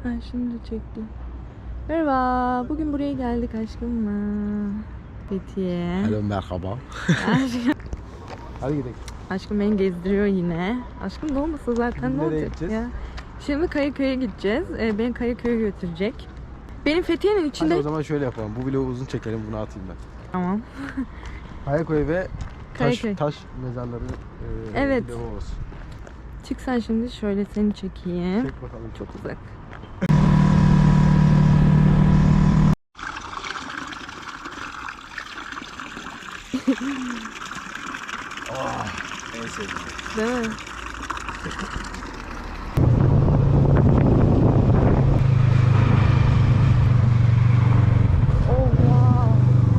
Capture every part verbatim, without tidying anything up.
Ha, şimdi çekti. Merhaba. Bugün buraya geldik aşkımla. Fethiye. Hello, merhaba. Hadi gidelim. Aşkım beni gezdiriyor yine. Aşkım da olmasa zaten Şimdi ne nereye olacak gideceğiz? ya? Şimdi Kayaköy'e gideceğiz. Ee, beni Kayaköy'e götürecek. Benim Fethiye'nin içinde... Hadi o zaman şöyle yapalım. Bu vlogu uzun çekelim, bunu atayım ben. Tamam. Kayaköy ve taş, Kayaköy. taş mezarları e, Evet. vlogu olsun. Çık sen şimdi, şöyle seni çekeyim. Çek bakalım. Çok uzak. Oh, en sevdiğim. Değil mi? Oh wow.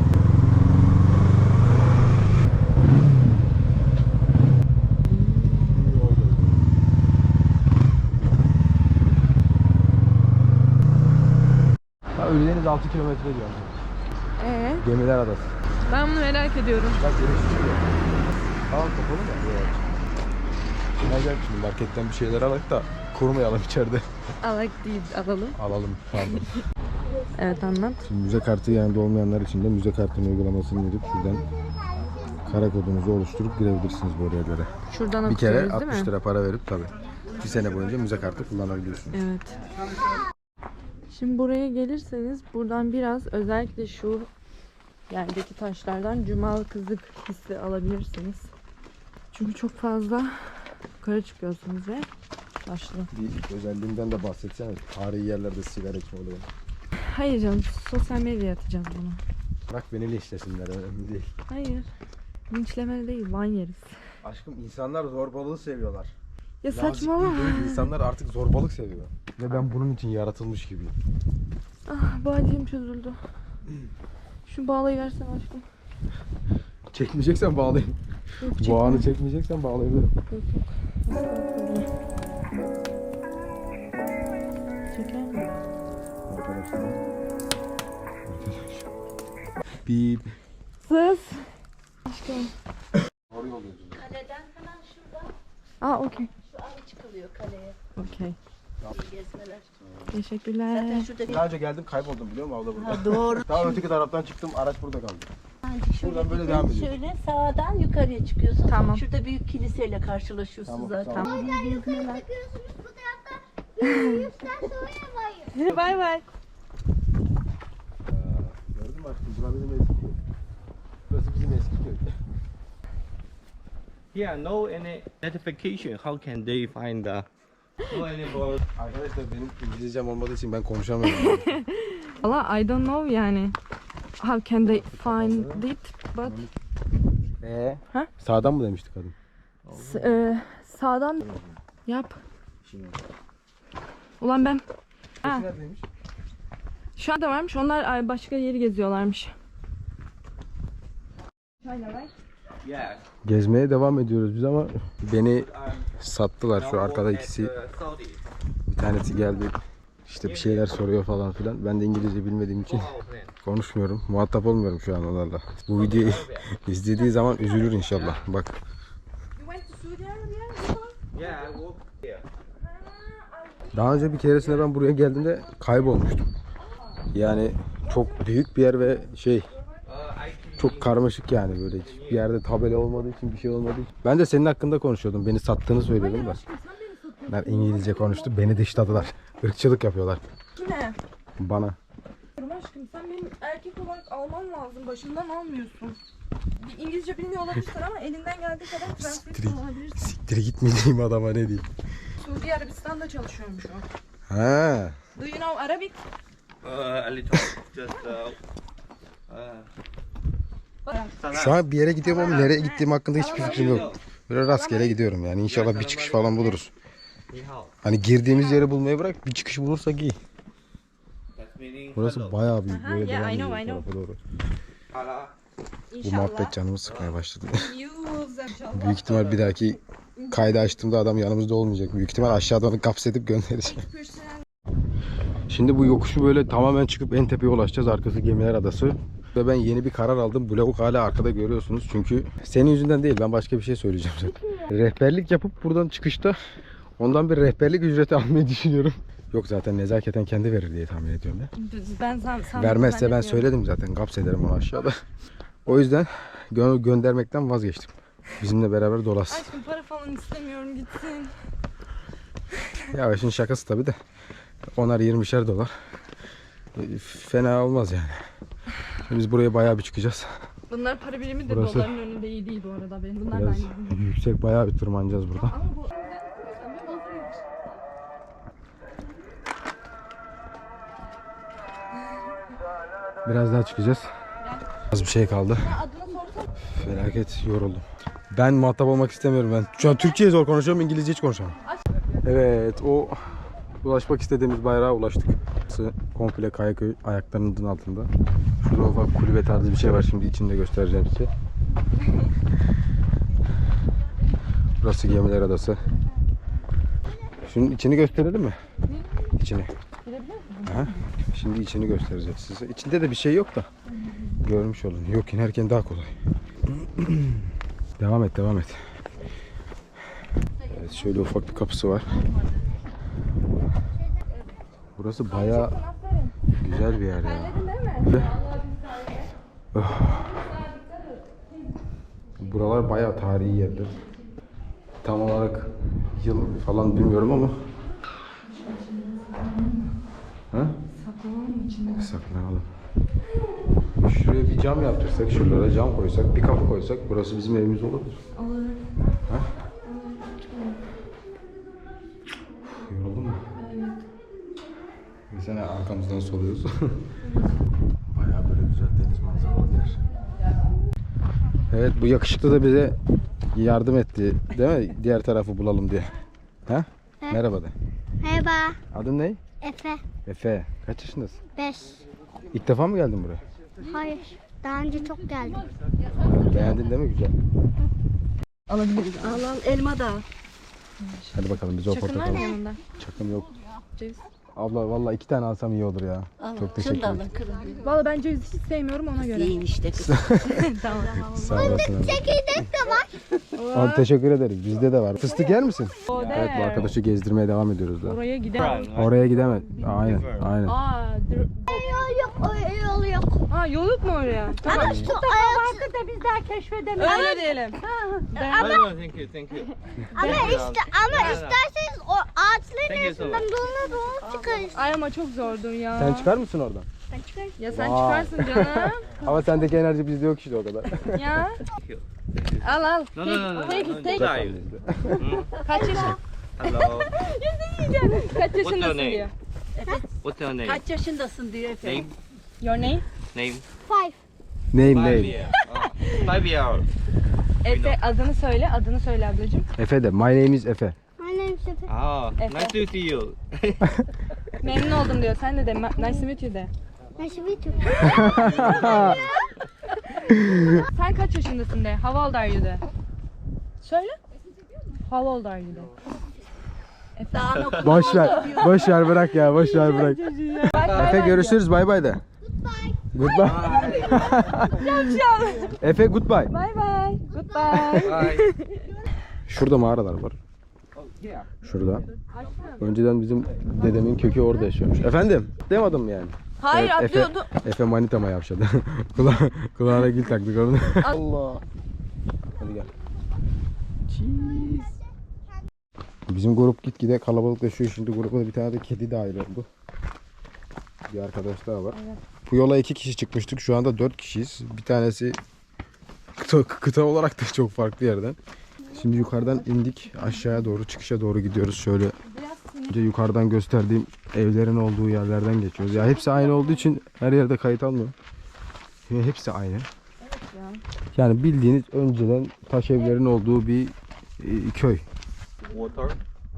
Ha, Ölüdeniz altı kilometre diyor. Ee, Gemiler Adası. ben bunu merak ediyorum. Bak deniz çıkıyor. Tamam kapalı mı? Evet. Şimdi gel şimdi marketten bir şeyler alalım da kurumayalım içeride. Alak değil, alalım. Alalım. Pardon. Evet, anlat. Şimdi müze kartı yanında olmayanlar için de müze kartının uygulamasını indirip şuradan kara kodunuzu oluşturup girebilirsiniz bu oraya göre. Şuradan Bir kere okuyoruz, değil altmış mi? lira para verip tabii bir sene boyunca müze kartı kullanabiliyorsunuz. Evet. Şimdi buraya gelirseniz buradan biraz, özellikle şu yerdeki taşlardan cumalı kızık hissi alabilirsiniz. Çünkü çok fazla yukarı çıkıyorsunuz ve taşlı. Bir özelliğinden de bahsetsene. Tarihi yerlerde sigara içme olayı. Hayır canım, sosyal medyaya atacağız bunu. Bırak beni linçlesinler, önemli değil. Hayır. Linçleme değil, van yeriz. Aşkım, insanlar zorbalığı seviyorlar. Ya Nazik saçmalama. değil, insanlar artık zorbalık seviyor. Ve ben bunun için yaratılmış gibiyim. Ah, bağcığım çözüldü. Şu bağlayı versene aşkım. Çekmeyeceksen bağlayayım. Yok, Bu çekme. anı çekmeyeceksen bağlayabilirim. Yok yok. Çeker mi? Arkadaşlar. Bip. Sus. Aşkım. Oraya oluyoruz. Kaleden hemen şurada Aa, okey. şu an çıkılıyor kaleye. Okey. Gezmeler. Teşekkürler. Zaten şurada bir... Daha önce geldim, kayboldum biliyor musun abla burada? Ha, doğru. Daha öteki taraftan çıktım, araç burada kaldı. Yani şöyle Buradan böyle gidin, devam ediyoruz. Şöyle sağdan yukarıya çıkıyorsun. Tamam. Şurada büyük kiliseyle karşılaşıyorsun Tamam, zaten. tamam. İyi gezmeler. Bu tarafta yürüyüşten sonra bayır. Bay bay. Gördün mü aşkım? Burası bizim eski köy. Burası bizim eski köy. Yeah, no any identification. How can they find the no any board? Arkadaşlar benim İngilizcem olmadığı için ben konuşamıyorum. Valla I don't know yani. How can they find it? But Eee? Ha? Sağdan mı demiştik kadın? S- e, sağdan yap. Ulan ben. Ha, Neredeymiş? şu anda varmış. Onlar ay, başka yeri geziyorlarmış. Yeah. Gezmeye devam ediyoruz biz ama beni Um, sattılar şu arkada ikisi. Saudi. Bir tanesi geldi. İşte bir şeyler soruyor falan filan. Ben de İngilizce bilmediğim için konuşmuyorum. Muhatap olmuyorum şu an onlarla. Bu videoyu izlediği zaman üzülür inşallah. Bak. Yeah, I work here. Daha önce bir keresinde ben buraya geldiğimde kaybolmuştum. Yani çok büyük bir yer ve şey Uh, I can çok karmaşık yani, böyle hiçbir yerde tabela olmadığı için, bir şey olmadığı için. Ben de senin hakkında konuşuyordum. Beni sattığını söylüyordum da. Ben İngilizce konuştu. Beni dışladılar. Irkçılık yapıyorlar. Kime? Bana. Aşkım sen benim erkek olarak alman lazım. Başından almıyorsun. Bir İngilizce bilmiyor olabilirsin ama elinden geldiği kadar translate Siktir, olabilirsin. siktir gitmeyeyim adama, ne diyeyim. Suudi Arabistan'da çalışıyormuş o. Ha. Do you know Arabic? uh, a little just uh, uh, Şu an bir yere gidiyorum ama nereye gittiğim hakkında hiçbir fikrim yok. Böyle rastgele gidiyorum yani. İnşallah bir çıkış falan buluruz. ni hao. Hani girdiğimiz yeri bulmayı bırak, bir çıkış bulursak iyi. That's meaning Burası hello. bayağı büyük. Aha, Böyle yeah, devam I know, ediyor I bu tarafa doğru. Hala. Bu muhabbet canımı sıkmaya başladı. İnşallah. Büyük ihtimal bir dahaki kaydı açtığımda adam yanımızda olmayacak. Büyük ihtimal aşağıdan onu kapsedip gönderecek. Şimdi bu yokuşu böyle tamamen çıkıp en tepeye ulaşacağız. Arkası Gemiler Adası. Ve ben yeni bir karar aldım. Blok hala arkada görüyorsunuz. Çünkü senin yüzünden değil, ben başka bir şey söyleyeceğim zaten. Rehberlik yapıp buradan çıkışta ondan bir rehberlik ücreti almayı düşünüyorum. Yok zaten nezaketen kendi verir diye tahmin ediyorum ya. Ben san, san, Vermezse ben zannetmiyorum. söyledim zaten. Gaps ederim onu aşağıda. O yüzden gö- göndermekten vazgeçtim. Bizimle beraber dolasın. Aşkım para falan istemiyorum, gitsin. Ya işin şakası tabii de. Onar yirmişer dolar. E, Fena olmaz yani. Şimdi biz buraya bayağı bir çıkacağız. Bunlar para birimi de Burası- doların önünde iyi değil bu arada benim. Bunlar Biraz ben gideyim. yüksek, bayağı bir tırmanacağız burada. Ama bu Biraz daha çıkacağız. Az bir şey kaldı. Felaket yoruldum. Ben muhatap olmak istemiyorum ben. Şu an Türkçe'ye zor konuşuyorum, İngilizce hiç konuşamam. Evet, o ulaşmak istediğimiz bayrağa ulaştık. Burası komple Kayaköy ayaklarının altında. Şurada ufak kulübe tarzı bir şey var, şimdi içinde göstereceğim size. Burası Gemiler Adası. Şunun içini gösterelim mi? İçini. Aha. Şimdi içini göstereceğiz size. İçinde de bir şey yok da. Görmüş olun. Yok, inerken daha kolay. Devam et, devam et. Evet, şöyle ufak bir kapısı var. Burası bayağı güzel bir yer ya. Öf. Buralar bayağı tarihi yerler. Tam olarak yıl falan bilmiyorum ama. Ha? saklanalım içinde. Saklanalım. Şuraya bir cam yaptırsak, şuralara cam koysak, bir kapı koysak burası bizim evimiz olabilir. Olur. Ha? Yoruldun mu? Evet. Bir sene arkamızdan soluyoruz. Bayağı böyle güzel deniz manzaralı bir yer. Evet, bu yakışıklı da bize yardım etti, değil mi? Diğer tarafı bulalım diye. Ha? Evet. Merhaba de. Merhaba. Adın ne? Efe. Efe. Kaç yaşındasın? beş. İlk defa mı geldin buraya? Hayır. Daha önce çok geldim. Beğendin değil mi? Güzel. Alabiliriz. Al al elma da. Hadi bakalım biz o Çakın var portakalı. mı yanında? Çakım yok. Ceviz. Abla vallahi iki tane alsam iyi olur ya. Al. Çok teşekkür Şunu da ederim. alın kırın. Valla ben ceviz hiç sevmiyorum ona göre. Yiyin işte kız. Tamam. Sağ olasın. abi. Çekirdek de var. Abi teşekkür ederiz. Bizde de var. Fıstık yer misin? O Evet, bu arkadaşı gezdirmeye devam ediyoruz da. Oraya gidelim. Oraya gidemez. Aynen, aynen. Aa, dur. Yol yok. O yol yok. Aa, yol yok mu oraya? Tamam. Ama şu ayak. Vardı da biz daha keşfedemiyoruz. Öyle diyelim. No, no, thank you, thank you. Ama işte ama isterseniz o ağaçların Thank you so arasından much. dolana dolana çıkarız. Ay ama çok zordur ya. Sen çıkar mısın oradan? Ben çıkarım. Ya sen Vay. çıkarsın canım. Ama sendeki enerji bizde yok işte o kadar. Ya. Thank you. Al al. No, no, no, no. Take no, it, take it. dive. Kaç yaşın? Hello. Kaç What's your yaşındasın name? diyor. What's your name? Kaç yaşındasın diyor Efe. Name? Your name? Name? Five. Name Five name. year. Oh, five year old. Efe adını söyle, adını söyle ablacığım. Efe de. My name is Efe. My name is Efe. Oh, Efe. nice to see you. Memnun oldum diyor. Sen de de ma- nice to meet you de. Nice to meet you. Sen kaç yaşındasın de. How old are you de. Söyle. How old are you de. Daha okul. Boş ver. Boş ver, bırak ya. Boş ver, bırak. Efe görüşürüz. Bay bay de. Goodbye. Efe goodbye. Bye bye. Goodbye. Bye. Şurada mağaralar var. Şurada. Önceden bizim dedemin kökü orada yaşıyormuş. Efendim? Demedim mi yani? Hayır Evet, Efe, atlıyordu. Efe manitama yavşadı. Kula, kulağına gül taktık onu. Allah. Hadi gel. Cheese. Bizim grup gitgide kalabalıklaşıyor. Şimdi gruba bir tane de kedi dahil oldu. Bir arkadaş daha var. Evet. Bu yola iki kişi çıkmıştık. Şu anda dört kişiyiz. Bir tanesi kıta, kıta olarak da çok farklı yerden. Şimdi yukarıdan indik. Aşağıya doğru, çıkışa doğru gidiyoruz. Şöyle önce yukarıdan gösterdiğim evlerin olduğu yerlerden geçiyoruz. Ya hepsi aynı olduğu için her yerde kayıt almıyor. Yani hepsi aynı. Yani bildiğiniz önceden taş evlerin olduğu bir e, köy. Water.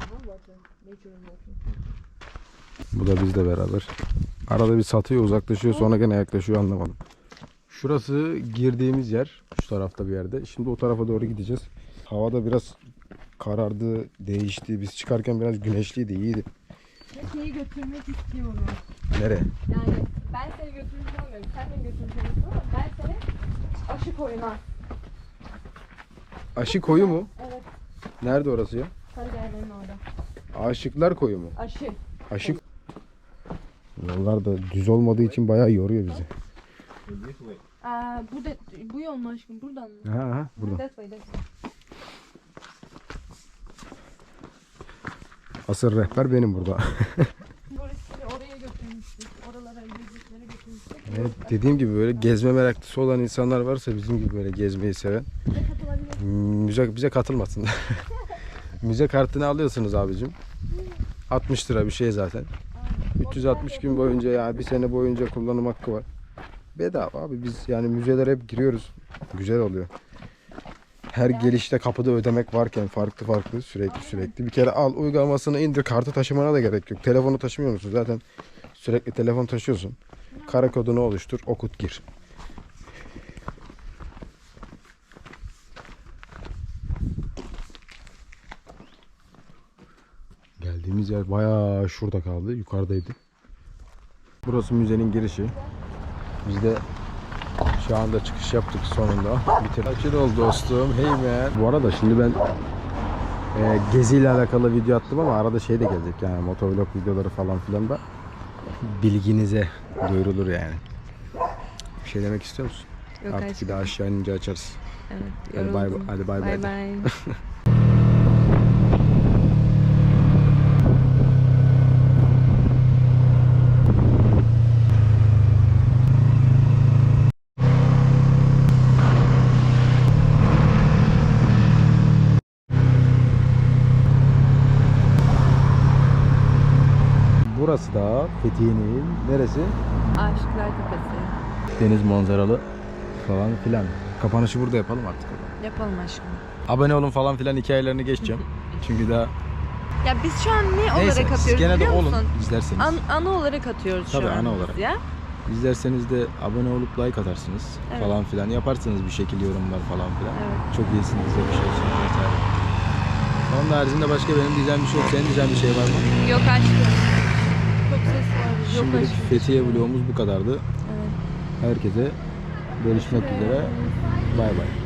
Bu da bizle beraber. Arada bir satıyor, uzaklaşıyor, sonra gene yaklaşıyor, anlamadım. Şurası girdiğimiz yer. Şu tarafta bir yerde. Şimdi o tarafa doğru gideceğiz. Hava da biraz karardı, değişti. Biz çıkarken biraz güneşliydi, iyiydi. Şeyi götürmek istiyorum. Nereye? Yani ben seni götürmek istemiyorum. Sen beni götürmek istiyorsun ama ben seni aşı koyuna. Aşı koyu mu? Evet. Nerede orası ya? Sarıgerlerin orada. Aşıklar koyu mu? Aşı. Aşık. Yollar da düz olmadığı için bayağı yoruyor bizi. Aa, bu da bu yol mu aşkım? Buradan mı? Ha ha buradan. That way, that way. Asıl rehber benim burada. Burası oraya götürmüştük. Oralara gezdiklere götürmüştük. Evet, dediğim gibi böyle gezme meraklısı olan insanlar varsa bizim gibi böyle gezmeyi seven müze bize katılmasın. Müze kartını alıyorsunuz abicim. altmış lira bir şey zaten. üç yüz altmış gün boyunca ya bir sene boyunca kullanım hakkı var. Bedava abi biz yani müzelere hep giriyoruz. Güzel oluyor. Her gelişte kapıda ödemek varken farklı farklı sürekli sürekli. Bir kere al uygulamasını indir, kartı taşımana da gerek yok. Telefonu taşımıyor musun? Zaten sürekli telefon taşıyorsun. Kara kodunu oluştur, okut gir. Geldiğimiz yer bayağı şurada kaldı. Yukarıdaydı. Burası müzenin girişi. Biz de şu anda çıkış yaptık sonunda. Bitir. Açıl ol dostum. Hey man. Bu arada şimdi ben e, geziyle alakalı video attım ama arada şey de gelecek yani motovlog videoları falan filan da bilginize duyurulur yani. Bir şey demek istiyor musun? Yok Artık aşkım. bir daha aşağı inince açarız. Evet. Hadi bay yoruldum. hadi bay bay. Bay bay. Burası da Fethiye'nin neresi? Aşıklar Tepesi. Deniz manzaralı falan filan. Kapanışı burada yapalım artık. Yapalım aşkım. Abone olun falan filan hikayelerini geçeceğim. Çünkü daha Ya biz şu an ne neyse olarak siz atıyoruz gene de biliyor olun musun? izlerseniz. An, ana olarak atıyoruz Tabii, şu an ana biz olarak. ya. İzlerseniz de abone olup like atarsınız Evet. falan filan. Yaparsınız bir şekilde yorumlar falan filan. Evet. Çok iyisiniz de bir şey olsun vesaire. Onun haricinde başka benim diyeceğim bir şey yok. Senin diyeceğin bir şey var mı? Yok aşkım. Çok ses var. Yok Şimdilik aşkım. Fethiye vlogumuz bu kadardı. Evet. Herkese görüşmek üzere. Bay bay.